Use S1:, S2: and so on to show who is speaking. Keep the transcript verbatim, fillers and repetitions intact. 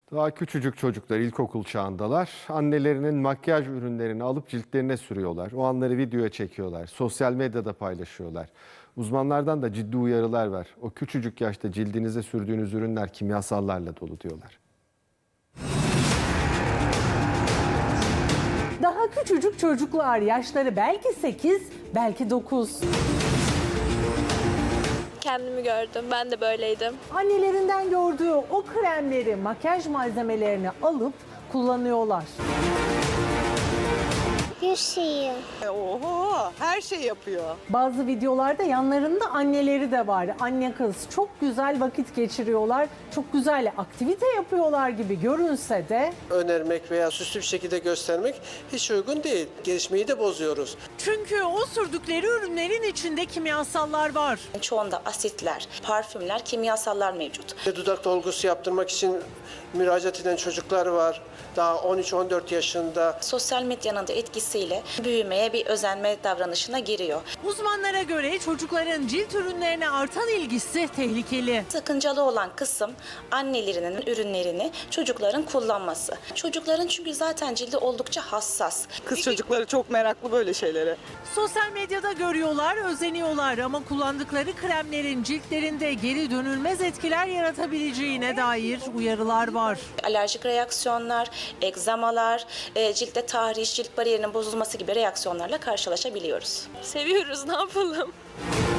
S1: Daha küçücük çocuklar ilkokul çağındalar. Annelerinin makyaj ürünlerini alıp ciltlerine sürüyorlar. O anları videoya çekiyorlar. Sosyal medyada paylaşıyorlar. Uzmanlardan da ciddi uyarılar var. O küçücük yaşta cildinize sürdüğünüz ürünler kimyasallarla dolu diyorlar.
S2: Daha küçücük çocuklar, yaşları belki sekiz, belki dokuz.
S3: Kendimi gördüm. Ben de böyleydim.
S2: Annelerinden gördüğü o kremleri, makyaj malzemelerini alıp kullanıyorlar.
S4: Bir şeyi.
S5: Oho, her şey yapıyor.
S2: Bazı videolarda yanlarında anneleri de var. Anne kız çok güzel vakit geçiriyorlar. Çok güzel aktivite yapıyorlar gibi görünse de
S6: önermek veya süslü bir şekilde göstermek hiç uygun değil. Gelişmeyi de bozuyoruz.
S2: çünkü o sürdükleri ürünlerin içinde kimyasallar var.
S7: Çoğunda asitler, parfümler, kimyasallar mevcut.
S6: Dudak dolgusu yaptırmak için müracaat eden çocuklar var. Daha on üç on dört yaşında.
S7: Sosyal medyanın da etkisiyle büyümeye, bir özenme davranışına giriyor.
S2: Uzmanlara göre çocukların cilt ürünlerine artan ilgisi tehlikeli.
S7: Sakıncalı olan kısım annelerinin ürünlerini çocukların kullanması. Çocukların çünkü zaten cildi oldukça hassas.
S5: Kız çocukları çok meraklı böyle şeylere.
S2: Sosyal medyada görüyorlar, özeniyorlar ama kullandıkları kremlerin ciltlerinde geri dönülmez etkiler yaratabileceğine dair uyarılar var.
S7: Alerjik reaksiyonlar, egzamalar, e, ciltte tahriş, cilt bariyerinin bozulması gibi reaksiyonlarla karşılaşabiliyoruz.
S3: Seviyoruz, ne yapalım?